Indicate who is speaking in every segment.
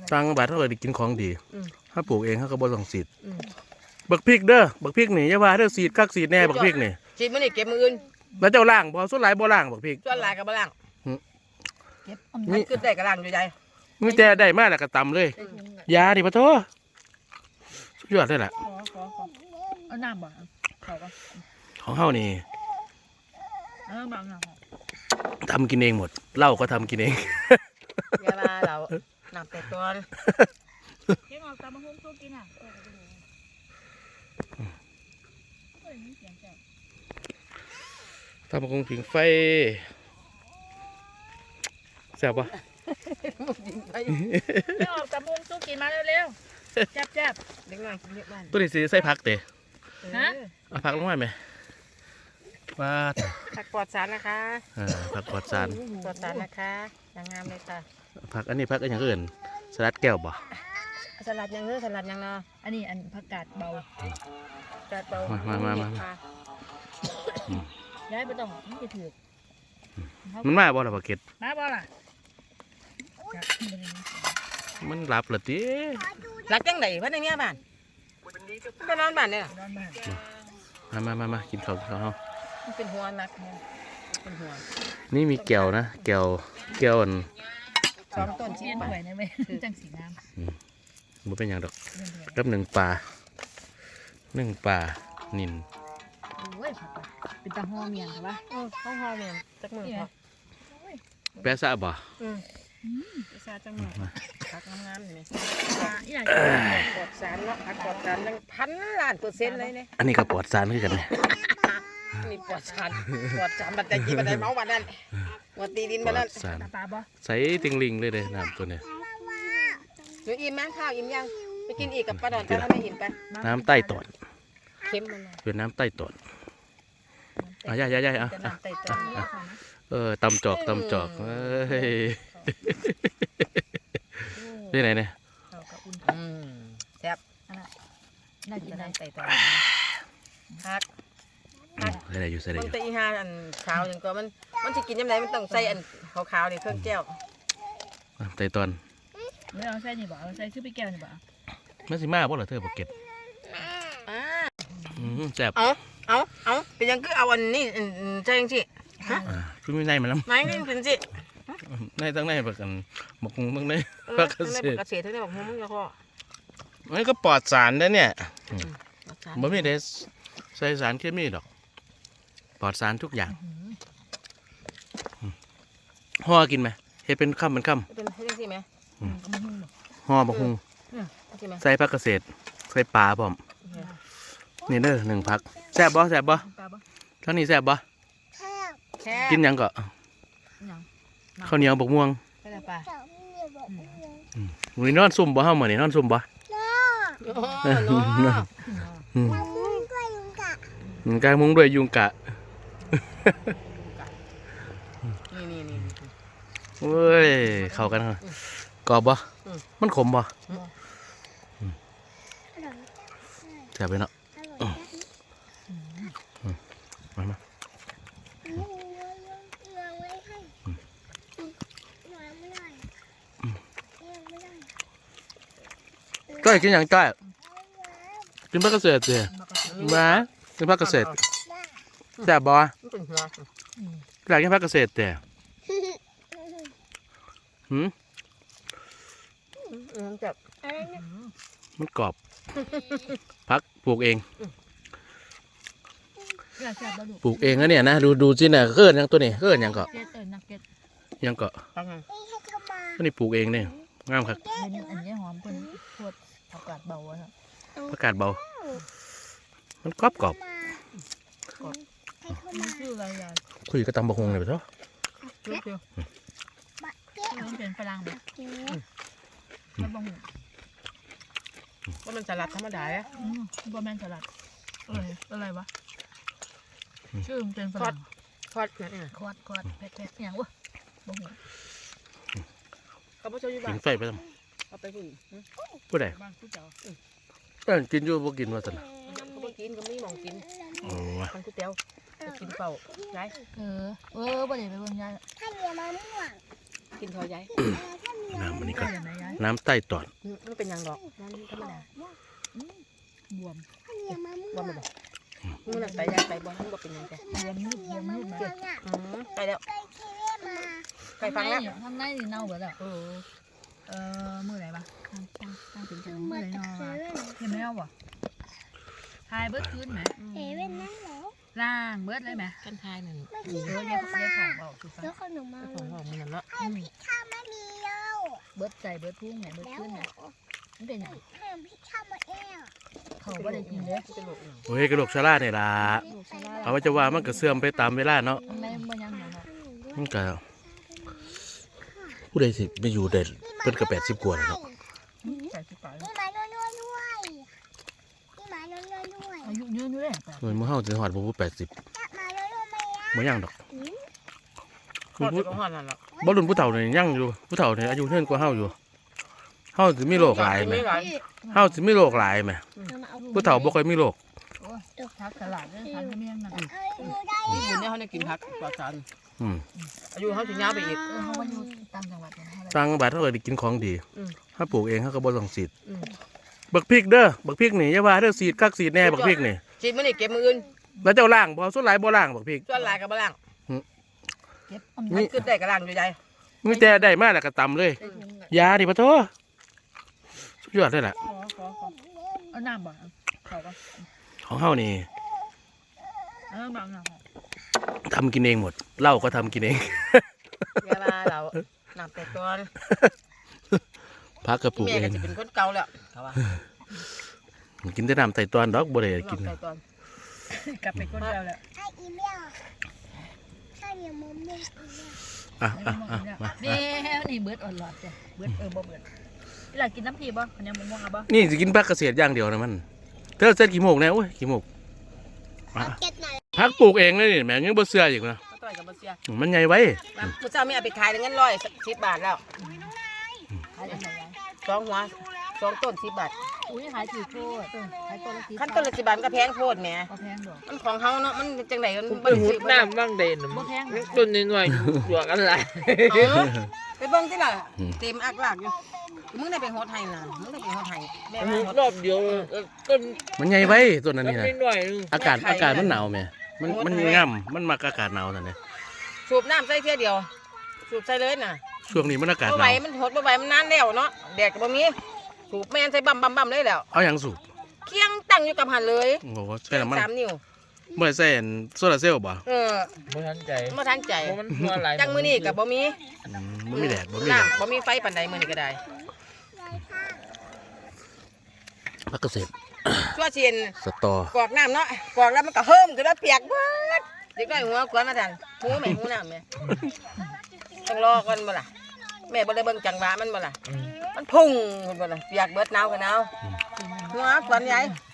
Speaker 1: ตังบาทเท่าไหร่ได้กินของดีถ้าปลูกเองเขาก็บ่ต้องสีดบักพริกเด้อบักพริกนี่อย่าว่าเด้อสีดคักสีดแน่บักพริกนี่
Speaker 2: ฉีดมันนี่เก็บมืออื่น
Speaker 1: แล้วเจ้าล่างบ่ส่วนหลายบ่ล่างบักพริก
Speaker 2: ส่วนหลายกับบ่ล่างเก็บมันขึ้นได้กับล่างอยู่ใจ
Speaker 1: มีแต่ได้มาแล้วก็ตำเลยยาดิปะโถสุดยอดเลยแหละ
Speaker 3: เอาน้ำบ่เขาก็
Speaker 1: ของเฮานี่
Speaker 3: บางน้
Speaker 1: ทำกินเองหมดเหล้าก็ทำกินเอง
Speaker 2: ยาลาเราหนักแต่ตัว
Speaker 3: เก็บออกตามมาหุ้มสู้กินอ่ะ
Speaker 1: ทำกงผิงไฟแซ่บปะ
Speaker 3: เก็บออกตามหุ้มสู้กินมาเร็วๆแจ๊บ
Speaker 2: เล็กน้อยกินเล็กน้อย
Speaker 1: ตัวนี้สิใส่ผักเตะ
Speaker 3: ฮะ
Speaker 1: เอาผักลงมาไหมว่า
Speaker 2: ผักปลอดสารนะคะ
Speaker 1: ผักปลอดสาร
Speaker 2: ปลอดสารนะคะอย่างงามเลยค่ะ
Speaker 1: ผักอันนี้ผักอย่างอื่นสลัดแก้วบ่
Speaker 2: สลัดยังสลัดยังเนาะ
Speaker 3: อันนี้อันผักกาดเบา
Speaker 1: มา
Speaker 3: ย้ายไปต้องมันจะถือ
Speaker 1: มันมาบ่ล่ะบักเก็ต
Speaker 3: มาบ่ล่ะ
Speaker 1: มันหลับเหรอตี
Speaker 2: หลับจังไหนพันอย่างเงี้ยบ้านไปนอนบ้านเนี่ย
Speaker 1: มากินข้าว
Speaker 2: มันเป็นหัวนักเป็นหัว
Speaker 1: นี่มีแก้วนะแก้วอัน
Speaker 2: 2 ต้นชิ้น
Speaker 3: ไปนะเว้ยจังสีน้
Speaker 1: ำมันเป็นอย่างดอกกับ1 ปลานิน
Speaker 3: โอ้ยเป็นตาห่อเมียนใช่ปะ
Speaker 2: ข้าวหอมเนี่ยจักมือพอ
Speaker 1: แปะซะบ่
Speaker 2: แปะซะจักมือผักงามๆนี่ปลอดสารเนาะผักปลอดสารยัง1,000,000,000%เลยเนี่ย
Speaker 1: อันนี้ก็ปลอดสารคือกันเนี่ย
Speaker 2: นี่ปลอดสารบัดใจจีบัดใจเมาบัดนั้นหัวตีดินบัดนั้น
Speaker 3: ปลาบ่
Speaker 1: ใส่ติงลิงเลยน้ำตัวนี้
Speaker 2: หนูอิ่มมั้ยข้าวอิ่มยังไปกินอีกกับป้าดอนป้าไม่อิ่มไป
Speaker 1: น้ำใต้ตอน
Speaker 2: เค็มมัน
Speaker 1: เป็นน้ำใต้ตอนย่าตำจอกเฮ้ยที่ไหนเนี่ย
Speaker 2: แซ่บ
Speaker 3: น่ากินน้ำใต้ตอน
Speaker 2: ฮัก
Speaker 1: ใส่ได้อยู่
Speaker 2: มันแต่อีห่าอันขาวอย่างก็มันจะกินยังไงมันต้องใส่อันขาวๆนี่เครื่องแก้ว
Speaker 1: ใต้ตอน
Speaker 3: ไม่เอาใส่นี่บ่เอาใส่ชื่อไปแก้วนี่บ่
Speaker 1: มันสิมาบ่ล่ะเธอบ่เก็ตแซ่บ
Speaker 2: เอาเป็นยังคือเอาอันนี้ใช่ยังสิ
Speaker 1: คือมีในมันแล้ว
Speaker 2: ไม่นี่เป็นสิ
Speaker 1: ในตั้งในแบบกันหมกตั้งใน
Speaker 2: ผักเกษตรทั้งในบอกมึงแล้วก็
Speaker 1: มันก็ปลอดสารนะเนี่ยบ่มีได้ใส่สารเคมีดอกปลอดสารทุกอย่างห่อกินไหมเฮ็ดเป็นค่ำ
Speaker 2: เป็นยังสิไหม
Speaker 1: ห่อบักฮุงใส่ผักเกษตรใส่ปลาพร้อมนี่เด้อ1 ผักแซ่บบ่ทั้งนี้แซ่บบ่กินยังก็ข้าวเหนียวบกม่วงมื้อนอนซุ่มบ่เฮามื้อนี้นอนซุ่มบ่กางมุ้งด้วยยุงกะ
Speaker 2: นี่
Speaker 1: เว้ยเข้ากันกรอบบ่มันขมบ่แซ่บไปเนาะมาก้อยกินอย่างก้อยกินผักเกษตรสิมากินผักเกษตรแซ่บบ่อยากกินผักเกษตรแต่มันกรอบผักปลูกเองปลูกเองนะเนี่ยนะดูสิเนี่ยเกิดยังตัวนี้เกิดยังก็อันนี้ปลูกเองเนี่ยงามครับ
Speaker 3: อันนี้หอมเป็นพวดผักกาดเบาครับ
Speaker 1: ผักกาดเบามันกรอบคุยกับตำบะฮงเลยไปเถอะ
Speaker 3: มันเป็นฝรั่งไหม
Speaker 2: ว่ามันสลัดธรรมดาอ่ะ
Speaker 3: ว่าแมนสลัดอะไรวะชื่อมันเป็นฝรั่ง
Speaker 2: คอดเนี่ย
Speaker 3: คอดเผ็ดอย่างวะบ่หู
Speaker 2: เขาไม่ชอบอยู่บ้าน
Speaker 1: กินไฟไปทำ
Speaker 2: เอาไปกิน
Speaker 1: ผู้ใดกินอยู่บ่กินว่าสัน
Speaker 2: เขาไม่กินก็ไม่มองกินทางก๋วยเตี๋ยวกินเปล่าย้าย
Speaker 3: บ่ได้ไปเบิ่งย้าย
Speaker 2: กินทอยาย
Speaker 1: น้ำอันนี้ก็
Speaker 3: อย่างไรยาย
Speaker 1: น้ำใต้ตอน
Speaker 2: มันเป็นยังดอกนั่นธรรมดา
Speaker 3: บวม
Speaker 2: บ่มาบอกมึงนั่นไปยายไปบ่มึงบ่เป็นยังไง
Speaker 3: บวมมืดมา
Speaker 2: ไปแล้วไปฟังแล้ว
Speaker 3: ข้างในนี่เน่าเบิดแล้วมือไหนปะตั้งถึงจังมือไหนนอนเห็นไหมเอาบ่ทายเบิดคืนไหมล่างเบิดเลยไหม
Speaker 2: กันทายนั่น
Speaker 3: เยอะของเบาสุด
Speaker 4: แล้วขนมมา
Speaker 2: ของมึงนั่นเนาะ
Speaker 4: พี่ข้าวมาเดียว
Speaker 3: เบิดใจเบิดพุ่งไหนเบิด
Speaker 4: แล้ว
Speaker 3: ขึ้นไหนมันเป็นอย่าง
Speaker 4: พี่ข้าวมาเอว
Speaker 3: เขาไม่ได้กินเลย
Speaker 2: จะหลบอีก
Speaker 1: โอ้ยกระโหลกชะลาเนี่ยล่ะเอาไว้จะว่ามันก็เสื่อมไปตามเวลาเนาะ
Speaker 3: ในมันยังไง
Speaker 1: มันก็ผู้ใดสิไม่อยู่เด็ดเพิ่นก็80 กว่าแล้วเนาะ
Speaker 3: ใส่ชุดต่อย
Speaker 4: พี่หมาโน่ด้วยพี่หมาโน่ด้วย
Speaker 3: อายุยืนอยู่เลย
Speaker 1: เหมือนมื้อเฮาสิฮอดบ่80
Speaker 4: จับมาโน่ไหม
Speaker 1: บ่ยังดอก
Speaker 2: หอดก็หอดนั่นแหละ
Speaker 1: บ่รุ่นผู้เฒ่านี่ยังอยู่ผู้เฒ่านี่อายุเท่าเฮาอยู่เฮาสิมีโรคหลายแหมเฮาสิมีโรคหลายแหมผู้เฒ่าบ่ค่อยมีโรค
Speaker 3: โอ้ทักตลาดเลยทักเมียงนั่น
Speaker 2: นี่อยู่เนี่ยเขาเนี่ยกินผักปลอดสาร
Speaker 1: อืม
Speaker 2: อายุเขาถึงยาวไปอีก
Speaker 3: เขาว่าอยู่ต่างจังหวัด
Speaker 1: ต่างจังหวัดเฮาก็ได้กินของดี
Speaker 2: อืม
Speaker 1: ถ้าปลูกเองเฮาก็บ่ต้องฉีดบักพริกเด้อบักพริกนี่อย่าว่าเด้อฉีดคักฉีดแน่บักพริกนี่
Speaker 2: ฉีดมื้อนี้เก็บมื้ออื่น
Speaker 1: แล้วเจ้าล่างบ่ส่วนหลายบ่ล่างบักพริก
Speaker 2: ส่วนหลายก็บ่ล้าง
Speaker 3: เก็บ
Speaker 2: มันขึ้นได้ก็ล้างอยู่ใหญ่
Speaker 1: มีแต่ได้มาแล้วก็ตำเลยยาดิปะโตสุดยอดเลยล่ะ
Speaker 3: เอาน้ำบ่เขาก็
Speaker 1: ของเฮานี่
Speaker 3: บางอย่าง
Speaker 1: ทำกินเองหมดเหล้าก็ทำกินเอง
Speaker 2: เวลาเราน้ำแต่ก่อน
Speaker 1: พักก็ปลูก
Speaker 2: แม่
Speaker 1: เอ
Speaker 2: ก็
Speaker 1: ง
Speaker 2: จะเป็นคนเก่าแล้วเขาว่า
Speaker 1: กินแต่น้ำไต่ตอนดอกบ่ได้กิน
Speaker 2: น้ำแต่ก่อน
Speaker 3: กลับไปคนเดียวแล้ว
Speaker 4: ไออีเมลถ้าเดี๋ยวมุมนึง
Speaker 1: อ่ะมา
Speaker 3: เด้นี่เบิดอ่อนหลอดจ้ะเบิดบ่เบิดเวลากินน้ำพีบ่คนยังม่วงอ่ะบ่
Speaker 1: นี่สิกินพักเกษตรอย่างเดียวนะมันเธอเสร็จกี่โมงแล้วโอ้ยกี่โมง
Speaker 4: เก็ตหน่อย
Speaker 1: พักปลูกเองเลยนี่แม่ยังบ่เชื่ออีกนะ
Speaker 2: ก็ต่อยกับบ่เสีย
Speaker 1: มันใหญ่ไว้
Speaker 2: มื้อเช้ามีเอาไปขายได้เงิน110 บาทแล้ว
Speaker 3: ขายยังไง
Speaker 2: 2 หัว2 ต้น10 บาท
Speaker 3: อุ้ยขายถือโทษขายตัวละ
Speaker 2: ขั้นต้นละ10 บาทมันก็แพงโพดแหม
Speaker 3: บ่แพงดอก
Speaker 2: มันของเฮาเนาะมันจังไดมัน
Speaker 5: ไปหุดน้ำบ้างเด่น
Speaker 3: บ่แพง
Speaker 5: ต้นน้อยๆหยวกอะไร
Speaker 2: ไปเบิ่งที่ล่ะเต็มอักลากอยู่มึงได้ไปโฮดให้น่ะมึงได้ไปโฮดให้แม่ว่าโฮด
Speaker 5: รอบเดียวต้น
Speaker 1: มันใหญ่ไว้ต้นนั้นนี่นะ
Speaker 5: น้อยๆนึง
Speaker 1: อากาศมันหนาวแม่มันง่ำมันมักอากาศหนาวนั่นแหละ
Speaker 2: สูบน้ำใส่เที่ยเดียว สูบใส่เลยน่ะ
Speaker 1: ช่วงนี้มันอากาศ
Speaker 2: บ่
Speaker 1: ห
Speaker 2: ไหวน
Speaker 1: าว
Speaker 2: มันโหดบ่ไหวมันนานแล้วเนาะแดดก็บ่มีสูบแม่นใส่บั่มเลยแล้ว
Speaker 1: เอาหยังสูบ
Speaker 2: เคียงตั้งอยู่กับหันเลย
Speaker 1: โอ้โหใช่น้ำมัน
Speaker 2: 3 นิ้ว
Speaker 1: บ่ได้ใส่อันโซลาร์เซลล์บ่
Speaker 5: บ่ทันใจ
Speaker 2: บ่ทันใจ
Speaker 5: เพราะมันหัวไหล
Speaker 2: จังมื้อนี้ก็บ่มี
Speaker 1: บ่มีแดดบ่มีแดด
Speaker 2: น้ำบ่มีไฟปานใดมื้อนี้ก็ได้
Speaker 1: พักเกษตร
Speaker 2: ชั่วเชียน
Speaker 1: สตอก
Speaker 2: อกน้ำเนาะกอกแล้วมันก็เฮิ่มขึ้นแล้วเปียกเบิดเด็กน้อยหัวกวนมาทันหูแม่หูน้ำแม่ต้องรอก่อนบ่ล่ะแม่บ่ได้เบิ่งจังหวะมันบ่ล่ะมันพุ่งขึ้นบ่ล่ะเปียกเบิดหนาวก็หนาวหัวกวนใหญ่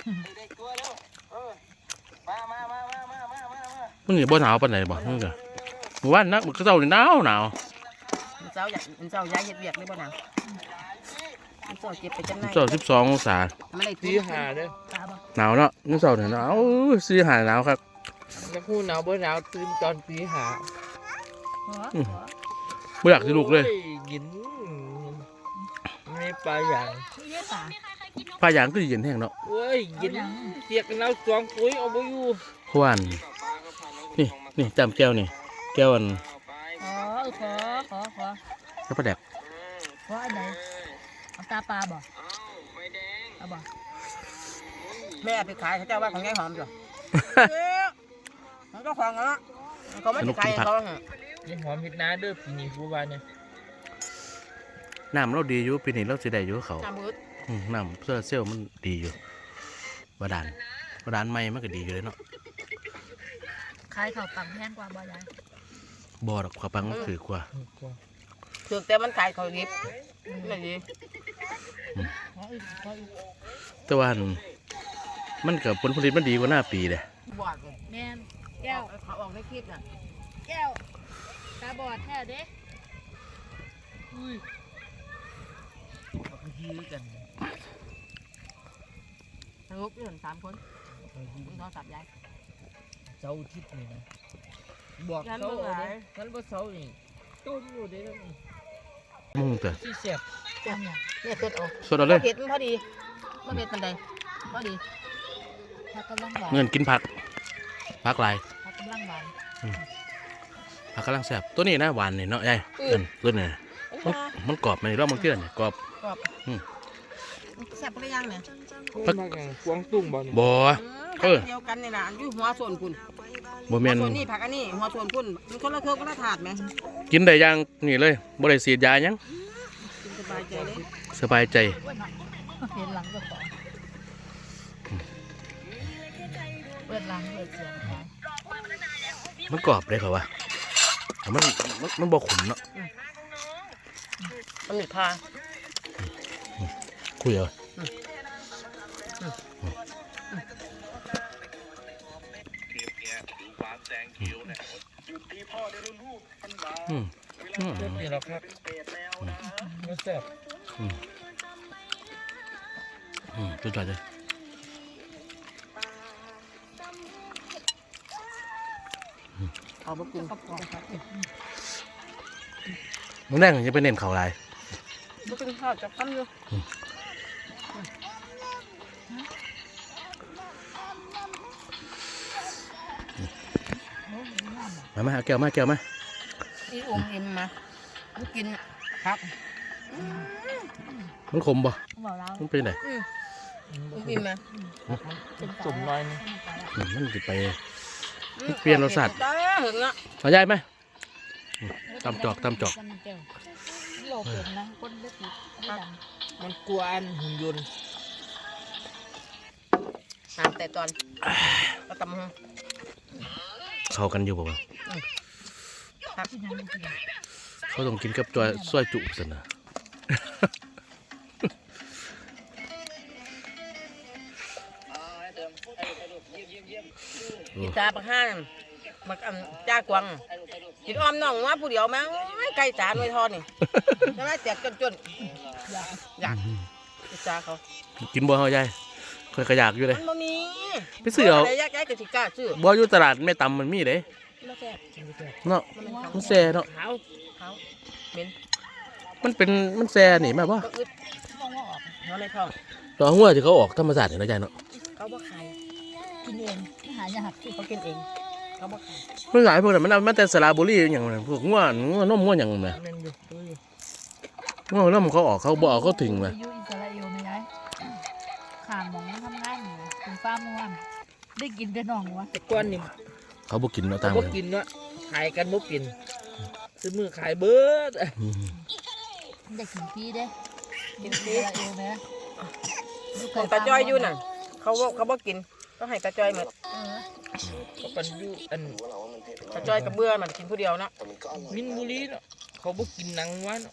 Speaker 1: มันนี่บ่หนาวปานใดบ่มันก็เมื่อวานนักมันก็เจ้านี่หนาว
Speaker 2: มันเจ้าอยากมันเจ้าย้ายเฮ็ดเวียกเลยบ่หนาวมันเจ้าเก็บไปจำหน่าย
Speaker 1: เจ้า12องศา
Speaker 2: มันได้
Speaker 5: ตี
Speaker 2: ตี
Speaker 5: หาเด้อ
Speaker 3: ตาบ่
Speaker 1: หนาวเนาะมื้อเช้าเนี่ยหนาวสิหาหนาวครับ
Speaker 5: จะพูดหนาวบ่หนาวตื่นตอนตีหา
Speaker 1: บ่อยากสิลุกเลย
Speaker 5: โอ้ยินไม่ปลาอย่าง
Speaker 3: นี่ได้ป่า
Speaker 1: ปลาย่างคือเย็นแห้งเนาะ
Speaker 5: โอ้ยยินเสียกกันแล้วสองปุ๋ยเอาบ่อยู่
Speaker 1: เพราะว่าอันนี่จำแก้วนี่แก้วอัน
Speaker 3: ขอ
Speaker 1: กระปลาแดก
Speaker 3: ขออันไหนเอาตาปลาบ่เอาบ่
Speaker 2: แม่ไปขายเขาเจ้าว่าของยายหอมจ้ะมันก็ของเนาะเขาไม่ได้ขายเขา
Speaker 5: ยังหอมเฮ็ดนาเด้อปีนี้ผู้ว่าเนี่ย
Speaker 1: น้ำเราดีอยู่ปีนี้เราสิได้อยู่เขา
Speaker 2: น้ำมืด
Speaker 1: น้ำโซลาร์เซลล์มันดีอยู่บาดาลใหม่มันก็ดีอยู่เลยเนาะ
Speaker 3: ขายข้าวปังแพงกว่าบ่ยาย
Speaker 1: บ่ดอกขวาปังมันถือกว่า
Speaker 2: ถึงแต่มันขายเขาดิบไม่ดี
Speaker 3: ขออีก
Speaker 1: แต่ว่าอันมันกับผลผลิตมันดีกว่าหน้าปีเลย
Speaker 2: บอดเลย
Speaker 3: แม่นแก้ว
Speaker 2: เขาออกในคลิปน่ะ
Speaker 3: แก้วตาบอดแท้เด้อุ้ย
Speaker 5: เขาฮือกัน
Speaker 2: สรุปอยู่3 คนมึงโทรศัพท์ยาย
Speaker 5: เจ้าทิศนี่นะบอก
Speaker 2: งั้น
Speaker 5: เขา
Speaker 2: บ่หลาย
Speaker 5: งั้นบ่เสานี่ต้มอยู่เด้อ
Speaker 1: มุงเถอะ
Speaker 5: ที่เสียบ
Speaker 2: เนี่ยเผ็ดออก
Speaker 1: สดเอาเลย
Speaker 2: เผ็ดมันพอดีมันเผ็ดมันใดพอดี
Speaker 3: ผักกำลังหวาน
Speaker 1: เงินกินผักหลาย
Speaker 3: ผักกำลังหวาน
Speaker 1: ผักกำลังแซ่บตัวนี้นะหวานนี่เนาะยายเงินตัวนี้มันกรอบมันรอบมันเกลือเนี่ยกรอบ
Speaker 2: กรอบแซ่บหรือยังเนี่ย
Speaker 5: พักกวางตุ้งบ่เนี่ย
Speaker 1: บ่
Speaker 2: เดียวกันนี่ล่ะอยู่หัวส่วนคุณ
Speaker 1: บ่แม่น
Speaker 2: ส่วนนี้ผักอันนี้หัวส่วนคุณมันคนละเครื่องคนละถาดไหม
Speaker 1: กินได้อย่างนี่เลยบ่ได้ฉีดยาหยัง
Speaker 2: กินสบายใจเลย
Speaker 1: สบายใจ
Speaker 3: เห็นหลังก็ต่อเปิดหลังเปิดเสียงค่ะ
Speaker 1: มันกรอบเลยเขาว่าแต่มันบ่ขมเนาะ
Speaker 2: มันมีพา
Speaker 1: คุยเอาอืม
Speaker 5: เจ็บนี่หรอกครับไม่แซ่บ
Speaker 1: สุดยอดเลย
Speaker 2: เอาบะกุง
Speaker 1: มึงแดงจะไปเน้นเขาลาย
Speaker 2: บะกุงทอดจับคำอยู่
Speaker 1: มาเอาแก้วมาแก้วมา
Speaker 2: อีอมอิ่มมามันกินครับ
Speaker 1: มันขมบ่
Speaker 3: บอกเรา
Speaker 1: มันเป็นไง
Speaker 2: อิ่มมา
Speaker 5: สมน้อยนี่
Speaker 1: มันจะไป เปลี่ยนรสชาติ
Speaker 2: จ้าหึงอ่ะ
Speaker 1: เอาใหญ่ไหมตำจอก
Speaker 3: โลเป็นนะคนเล็กนิดไม่ดัง
Speaker 5: มันกลัวอันหุ่นยนต์
Speaker 2: น้ำแต่ตอนก็ตำ
Speaker 1: เข้ากันอยู่บ่วะ
Speaker 3: ที่นั่นจริง
Speaker 1: เขาต้องกินกับจอยซอยจุสินะ
Speaker 2: กินตาปลาห้านมักจ้ากวางกินอ้อมน่องว่าผู้เดียวมั้งไก่จานไว้ทอดนี่ใช่ไหมแจกจนอยากกินตาเขา
Speaker 1: กินบ่เฮาใหญ่เคยกระยากอยู่เลย
Speaker 2: มันบ่มี
Speaker 1: ไปซื้อเอา
Speaker 2: ะไรยากแยกกับสิกล้าซื้อ
Speaker 1: บ่อยู่ตลาดแม่ตำมันมีเด้
Speaker 2: ไม่แซ่บ
Speaker 1: เนาะ
Speaker 2: มันเป็น
Speaker 1: มันแซ่เนาะ
Speaker 5: ขาว
Speaker 2: เขาเหม็น
Speaker 1: มันแซ่นี่แม่บ่
Speaker 2: ก็อึด
Speaker 3: มองว่าออก
Speaker 2: หัวในท้อง
Speaker 1: ตอนหัวที่เขาออกธรรมศาสตร์นี่เนาะยายเนาะ
Speaker 2: เขาบ่ขาย
Speaker 3: กินเองหายากที่
Speaker 2: เขากินเองเขาบ่ขาย
Speaker 1: มันหลายพวกนั้นมันเอามาแต่สระบุรีอย่างนั้นพวกงัวนมงัวหยังนั่นแหละ
Speaker 5: แม่นอยู่ตัวอยู่
Speaker 1: งัวนมเขาออกเขาบ่เอาเขาถึง
Speaker 3: ไป
Speaker 1: มา
Speaker 3: อยู่อิสราเอลไม่ได้ขามมองทำงานอยู่ถึงฟ้าม่วนได้กินแต่น่องวะ
Speaker 5: แต่ก้อนนี่
Speaker 1: เขาบ่กินเนาะ
Speaker 5: เขา
Speaker 1: ต่าง
Speaker 5: บ่
Speaker 1: กัน
Speaker 5: กินเนาะขายกันบ่กินซื้อมือขายเบิด
Speaker 1: อืม
Speaker 3: ได้กินฟรีเด้กินฟรีอิสราเอลไหม
Speaker 2: ของตาจ้อยอยู่น่ะเขาบ่กินก็ให้ตาจ้อยหมด
Speaker 5: เขาปันอยู่อัน
Speaker 2: ตาจ้อยกับเบื่อมันกินผู้เดียวเนาะ
Speaker 5: มินบุรีเนาะเขาบ่กินหนังวัวเนาะ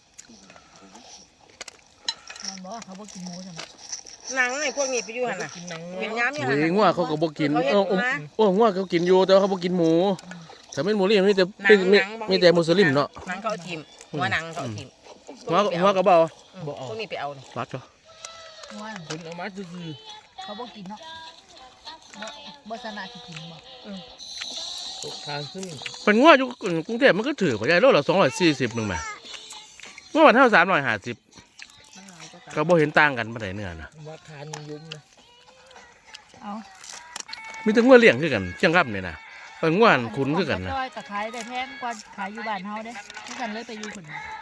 Speaker 3: มันบอกว่าเขาบอกกินหมูใช่ไหม
Speaker 2: หนังไอ้พวกนี้ไปอยู่หั่นน่ะ
Speaker 5: กินหนังวัว
Speaker 2: เป็นย้ำอยู่
Speaker 1: เฮ้
Speaker 2: หั่น
Speaker 1: ย
Speaker 2: น่ะ
Speaker 1: งัวเขาก็บ่กิน
Speaker 2: เขาเฮ็ด
Speaker 1: โอ้งัวเขากินอยู่แต่ว่าเขาบ่กินหมูถ้าเป็นหมูนี่มีแต่มีแต่มุสลิมเนาะ
Speaker 2: หนังเขาเอาทิ่มหัวหนังเขาเอาทิ่ม
Speaker 1: งัวก็บ่เอา
Speaker 2: พวกนี้ไปเอานี่
Speaker 1: รัดก็
Speaker 3: ว่า
Speaker 5: คนเอามาซื่อ
Speaker 3: เขาบอกกินเนาะบ่สนาที่กินบ่
Speaker 5: ๆตกทางซึ่ง
Speaker 1: เป็นงัวอยู่กรุงเทพมันก็ถือบ่ได้โลละ240นึงแหมงัวบ้านเฮา350
Speaker 2: มันหลายกว่ากัน
Speaker 1: ก็บ่เห็นต่างกันปานใดเนื้อนะ
Speaker 5: ว่าทานนิยมนะ
Speaker 3: เอา
Speaker 1: มีแต่งัวเลี้ยงคือกันเชียงคำนี่นะงัวขุนคือกันนะ
Speaker 3: จ้อยกับขายได้แพงกว่าขายอยู่บ้านเฮาเด้ที่กันเลยไปอยู่คน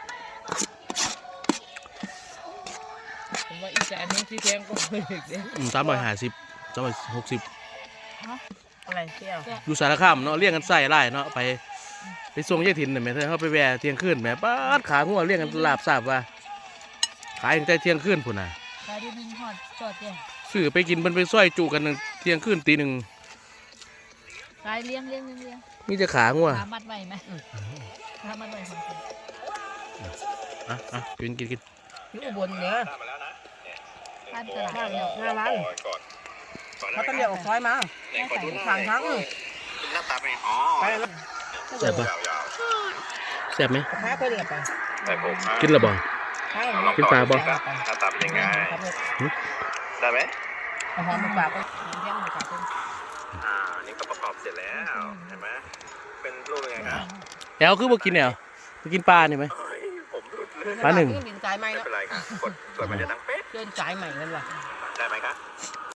Speaker 5: ผมว่าอีสานนี่ที่แพงก็ไม่เด็กเด้
Speaker 1: 350 360
Speaker 2: อะไรเที่ยว
Speaker 1: อยู่สารคามเนาะเลี้ยงกันไส้ไร่เนาะไปส่งยายถิ่นน่ะแม่เธอเฮาไปแวะเที่ยงคืนแม่ป๊าดขางัวเลี้ยงกันลาบทราบว่าขายตั้งแต่เที่ยงคืนพุ่นน่ะ
Speaker 3: ขายที่นึงฮอดจอดเด้
Speaker 1: ซื้อไปกินเพิ่นไปซอยจุกันเที่ยงคืนตีหนึ่ง
Speaker 3: ขายเลี้ยง
Speaker 1: มีแต่ขางัว
Speaker 3: ขามัดไว้ไหมขามัดไว้ของคุณ
Speaker 1: อ่ะกิน
Speaker 2: อยู่อุบลเนี่ย
Speaker 3: ร้านตลาด
Speaker 2: บ้านเนี่ยหน้าร้านเขาต้องเดียวออกซอยมาทางทั้ง ไปแล้ว
Speaker 1: แซ่บปะแซ่บไหม
Speaker 2: แพ้ไปเรียบไป
Speaker 1: กินและบ่
Speaker 2: ใช่
Speaker 1: กินปลาบ่
Speaker 6: หน้าตาเป็นยังไง ได้ไหม
Speaker 2: เอาหอมมาฝากไปเลี้ยงมาฝากไป
Speaker 6: นี่ก็ประกอบเสร็จแล้ว เห็นไหม เป็นรูปยังไงครับ
Speaker 1: แอลคือบ่กินแอลไปกินปลานี่ไหม
Speaker 6: ผมรุด
Speaker 1: ปลาหนึ่ง
Speaker 2: ดินสายใหม่
Speaker 6: ไม่
Speaker 2: เนาะ
Speaker 6: เป็นไรครับกดมันจะดังเป๊ะ
Speaker 2: เดินสายใหม่กันว่ะ
Speaker 6: ได้ไหมคะ